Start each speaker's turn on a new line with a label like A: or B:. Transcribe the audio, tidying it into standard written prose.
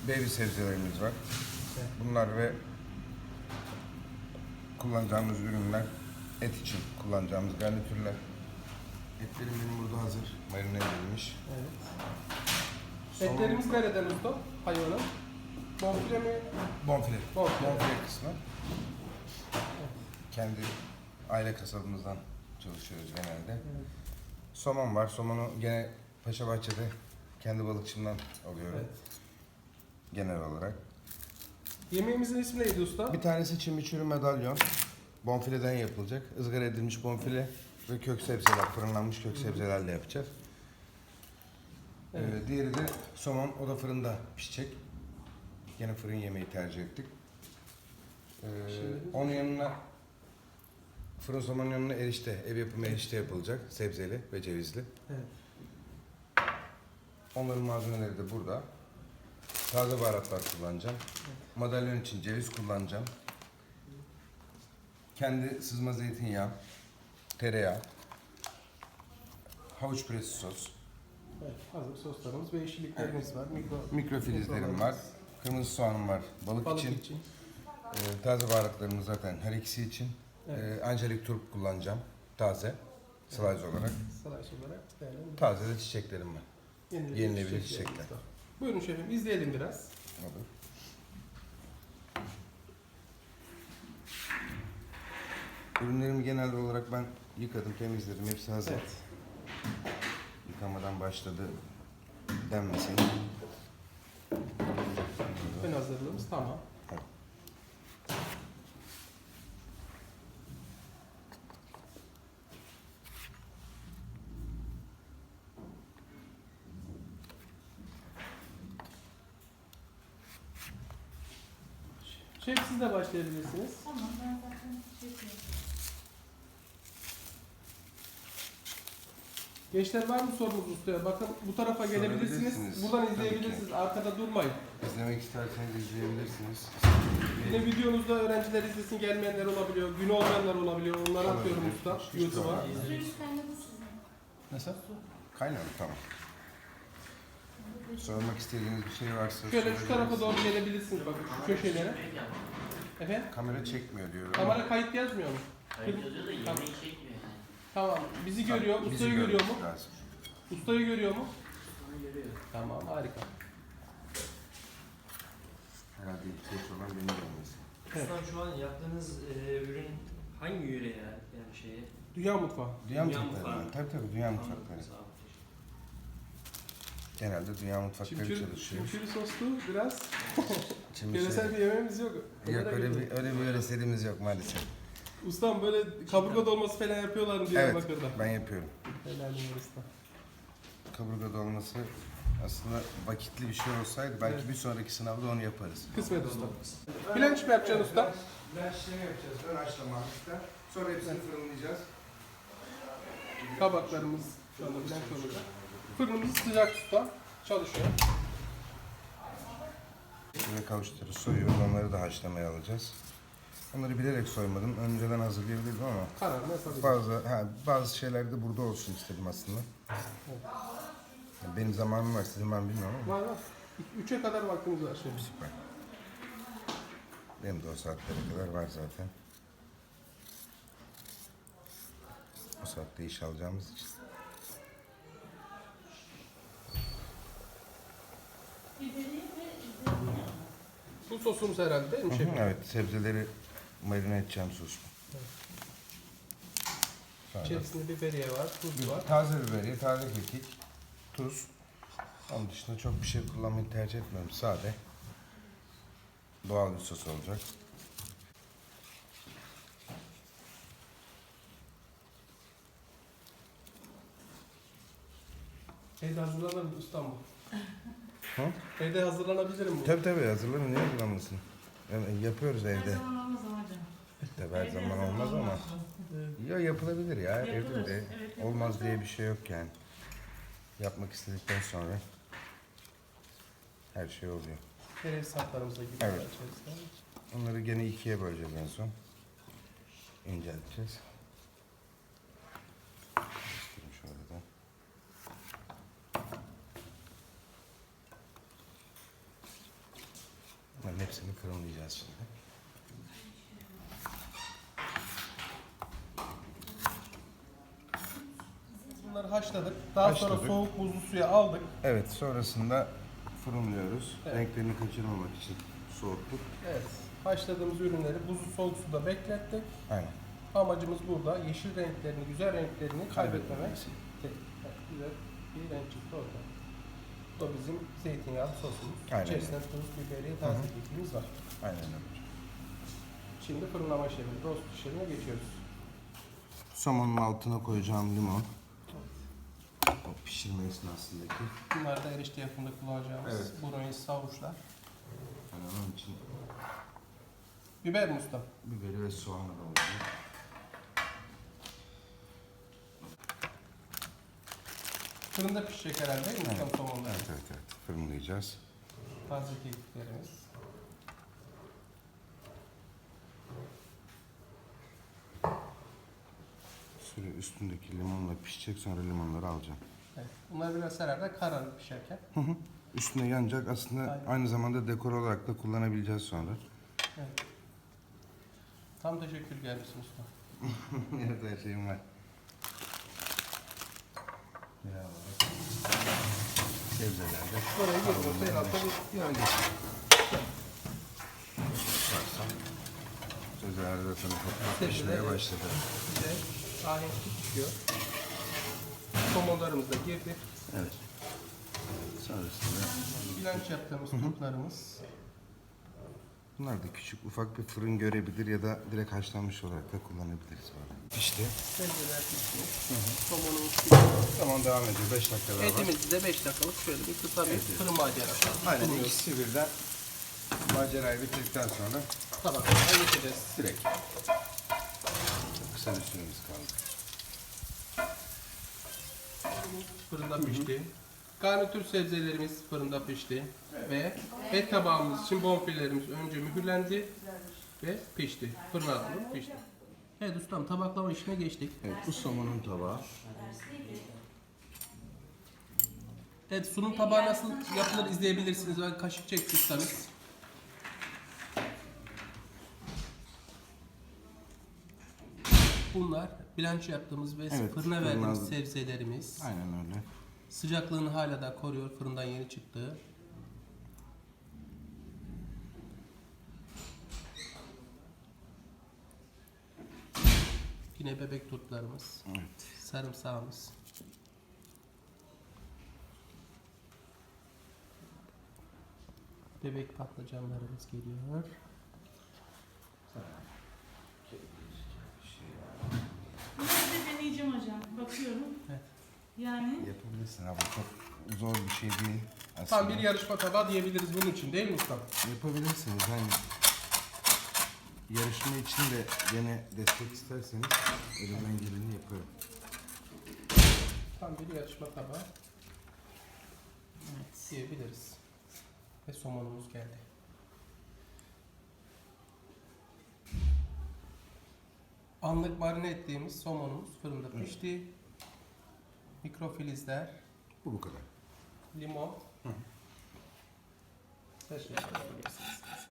A: baby sebzelerimiz var.
B: Evet.
A: Bunlar ve kullanacağımız ürünler, et için kullanacağımız garnitürler. Etlerim benim burada hazır, marine edilmiş.
B: Evet. Etlerimiz nereden usta? Hayvanın. Bonfile mi?
A: Bonfile.
B: Bonfile.
A: Bonfile kısmı. Kendi aile kasabımızdan çalışıyoruz genelde.
B: Evet.
A: Somon var. Somonu gene Paşabahçe'de kendi balıkçımdan alıyorum.
B: Evet.
A: Genel olarak.
B: Yemeğimizin ismi neydi usta?
A: Bir tanesi çimiçürü medalyon. Bonfileden yapılacak. Izgara edilmiş bonfile ve kök sebzeler, fırınlanmış kök sebzelerle yapacağız.
B: Evet.
A: Diğeri de somon, o da fırında pişecek. Yine fırın yemeği tercih ettik. Onun yanına, fırın somonun yanına erişte, ev yapımı erişte yapılacak. Sebzeli ve cevizli.
B: Evet.
A: Onların malzemeleri de burada. Taze baharatlar kullanacağım. Madalyon için ceviz kullanacağım. Kendi sızma zeytinyağı, tereyağı, havuç püresi sos.
B: Evet. Hazır soslarımız ve yeşilliklerimiz var.
A: Mikrofilizlerim var. Kırmızı soğanım var balık için. Taze baharatlarımız zaten her ikisi için.
B: Evet.
A: Angelik turp kullanacağım. Taze. Slice olarak.
B: Slice olarak değerlendirelim.
A: Taze de çiçeklerim var. Yenilebilir çiçekler.
B: Buyurun şefim, izleyelim biraz.
A: Olur. Ürünlerimi genel olarak ben yıkadım, temizledim. Hepsi hazır.
B: Evet.
A: Yıkamadan başladı denmesin.
B: Ön hazırlığımız tamam.
A: Evet.
B: Şef siz de başlayabilirsiniz.
C: Tamam, ben zaten şey yapıyorum.
B: Gençler var mı sorunuz ustaya? Bakın bu tarafa gelebilirsiniz.
A: Sorabilirsiniz.
B: Buradan
A: Tabii
B: izleyebilirsiniz.
A: ki.
B: Arkada durmayın.
A: İzlemek isterseniz izleyebilirsiniz.
B: Yine videonuzda öğrenciler izlesin, gelmeyenler olabiliyor. Günü olmayanlar olabiliyor. Onları
A: Olabilir.
B: atıyorum usta
A: Hiç
B: YouTube'a.
A: problem değil.
C: Suyunuz kaynadı sizin.
B: Nasıl?
A: Kaynadı, tamam. Sormak istediğiniz bir şey varsa
B: Şöyle şu tarafa
A: sorabilirsiniz.
B: doğru gelebilirsiniz bakın şu köşelere. Efendim?
A: Kamera çekmiyor diyorum.
B: Kamera kayıt yazmıyor mu?
D: Kayıt yazıyor da yemeği çekmiyor yani.
B: Tamam. Bizi görüyor.
A: Bizi
B: Ustayı görüyor mu?
A: görmesi lazım.
B: Ustayı görüyor mu?
D: Onu görüyor.
B: Tamam, harika.
A: Herhalde ihtiyaç olan beni görmesi.
B: Evet.
E: Ustam şu an yaptığınız ürün hangi yöreye yani şeye?
B: Dünya mutfağı.
A: Dünya
E: Dünya
A: mutfakları.
E: mutfağı.
A: Tabii dünya mutfakları.
E: Sağ olun.
A: Genelde dünya mutfakları çalışıyor.
B: Çimçiri soslu biraz.
A: Çimçiri-
B: Yöresel bir yemeğimiz yok.
A: Yok
B: Onlara
A: öyle
B: göre.
A: bir yöreselimiz yok maalesef.
B: Ustam böyle kaburga dolması falan yapıyorlar mı
A: Evet,
B: Diyarbakır'da?
A: ben yapıyorum.
B: Helalim var usta.
A: Kaburga dolması aslında vakitli bir şey olsaydı belki
B: Evet.
A: bir sonraki sınavda onu yaparız.
B: Kısmet usta. Bilenç mi yapacaksın usta?
A: Bilenç işlemi yapacağız. Ön haşlama hafiften. Sonra hepsini fırınlayacağız.
B: Kabaklarımız şu anda bilenç olacak. Fırınımız sıcak usta. Çalışıyor.
A: Ve kavuşturuyoruz, soyuyoruz. Onları da haşlamaya alacağız. Onları bilerek soymadım. Önceden hazırlayabilirdim ama
B: Kararını yapabiliriz.
A: bazı şeyler de burada olsun istedim aslında. Yani benim zamanım var, sizin var mı bilmiyorum ama
B: Var var. 3'e kadar vaktimiz var şimdi.
A: süper. Benim de o saatlere kadar var zaten. O saatte iş alacağımız için.
C: Biberi ve zeytinyağı.
B: Bu sosumuz herhalde değil mi
A: Hı hı,
B: şefim?
A: evet, sebzeleri marine edeceğim sos. Sonra
B: İçerisinde biberiye var, tuz var.
A: taze biberiye, taze kekik, tuz. Onun dışında çok bir şey kullanmayı tercih etmiyorum. Sade. Doğal bir sos olacak.
B: Evde hazırlanır mı ustam bu?
A: Hı?
B: Evde hazırlanabilirim bu.
A: Tabii hazırlanın, niye hazırlanmasın? Yani yapıyoruz
C: Her
A: evde.
C: zaman olmaz ama hocam.
A: Tabii her
C: Evde
A: zaman olmaz ama. Ya yapılabilir ya,
C: Yapılır,
A: evde de.
C: evet, yapılır
A: Olmaz
C: da.
A: diye bir şey yok yani. Yapmak istedikten sonra her şey oluyor.
B: Kereviz saplarımıza gibi.
A: Evet. Onları gene ikiye böleceğiz en son. İncelteceğiz. Göstereyim şöyle de. Bunların hepsini fırınlayacağız şimdi.
B: Bunları haşladık. Daha sonra
A: Haşladık.
B: soğuk buzlu suya aldık.
A: Evet, sonrasında fırınlıyoruz.
B: Evet.
A: Renklerini kaçırmamak için soğuttuk.
B: Evet. Haşladığımız ürünleri buzlu soğuk suda beklettik.
A: Aynen.
B: Amacımız burada yeşil renklerini, güzel renklerini kaybetmemek.
A: Kaybetmemesi.
B: Evet, güzel bir renk çıktı orada. Bu da bizim zeytinyağlı sosumuz.
A: Aynen.
B: İçerisinde tuz, biberi, taze kekimiz var.
A: Aynen öyle.
B: Şimdi fırınlama işlemi, rost işlemine geçiyoruz.
A: Somonun altına koyacağım limon. O pişirme esnasındaki.
B: Bunlar da erişte yapımında kullanacağımız
A: Evet.
B: brownie havuçlar.
A: Yani onun için
B: Biber mi usta?
A: biberi ve soğanı da olacak.
B: Fırında pişecek herhalde değil mi ustam somonlar?
A: Evet, evet, evet. Fırınlayacağız.
B: Taze kekiklerimiz.
A: Süre üstündeki limonla pişecek, sonra limonları alacağım.
B: Evet. Bunlar biraz herhalde kararır pişerken.
A: Üstüne yanacak, aslında
B: Aynen.
A: aynı zamanda dekor olarak da kullanabileceğiz sonra.
B: Evet. Tam teşekkür gelmişsin usta.
A: Evet, her şeyim var. Ya, sebzelerde.
B: Oraya geliyorsa en altta bir
A: Yani sebzelerde zaten ufak
B: Sebzeler,
A: pişmeye
B: evet.
A: başladı.
B: güzel, ahenkli pişiyor. Somonlarımız da girdi.
A: Evet. Sonrasında
B: Bilanç yaptığımız kurtlarımız.
A: bunlar da küçük ufak bir fırın görebilir ya da direkt haşlanmış olarak da kullanabiliriz. Böyle. Pişti.
B: Sebzeler pişmiş. Somonumuz pişiyor.
A: Tamam, devam ediyor. 5 dakika daha var.
B: Etimizi de 5 dakikalık şöyle bir kısa bir fırın macerası.
A: Aynen,
B: Sunuyoruz.
A: ikisi birden macerayı bitirdikten sonra
B: Tabaklara geçeceğiz.
A: direkt. Çok kısa bir süremiz kaldı.
B: Fırında pişti. Garnitür sebzelerimiz fırında pişti. Ve et tabağımız için bonfilelerimiz önce mühürlendi ve pişti. Fırına alınıp pişti. Evet ustam, tabaklama işine geçtik.
A: Evet, bu somonun tabağı.
B: Evet, sunum tabağı nasıl yapılır izleyebilirsiniz. Ben kaşık çektiyseniz. Bunlar bilanço yaptığımız ve
A: Evet,
B: fırına verdiğimiz
A: fırına-
B: sebzelerimiz.
A: Aynen öyle.
B: Sıcaklığını hala da koruyor, fırından yeni çıktı. Yine bebek turtlarımız,
A: Evet.
B: sarımsağımız. Bebek patlıcanlarımız geliyor.
C: Bunları da deneyeceğim hocam. Bakıyorum.
B: Evet.
C: Yani
A: Yapabilirsin abi, çok zor bir şey değil aslında.
B: Tam bir yarışma tabağı diyebiliriz bunun için değil mi usta?
A: Yapabilirsiniz yani. Yarışma için de gene destek isterseniz elimden geleni yaparım.
B: Tam bir yarışma tabağı diyebiliriz. Ve somonumuz geldi. Anlık marine ettiğimiz somonumuz fırında pişti. Mikrofilizler,
A: Bu kadar.
B: limon. Teşekkür ederim.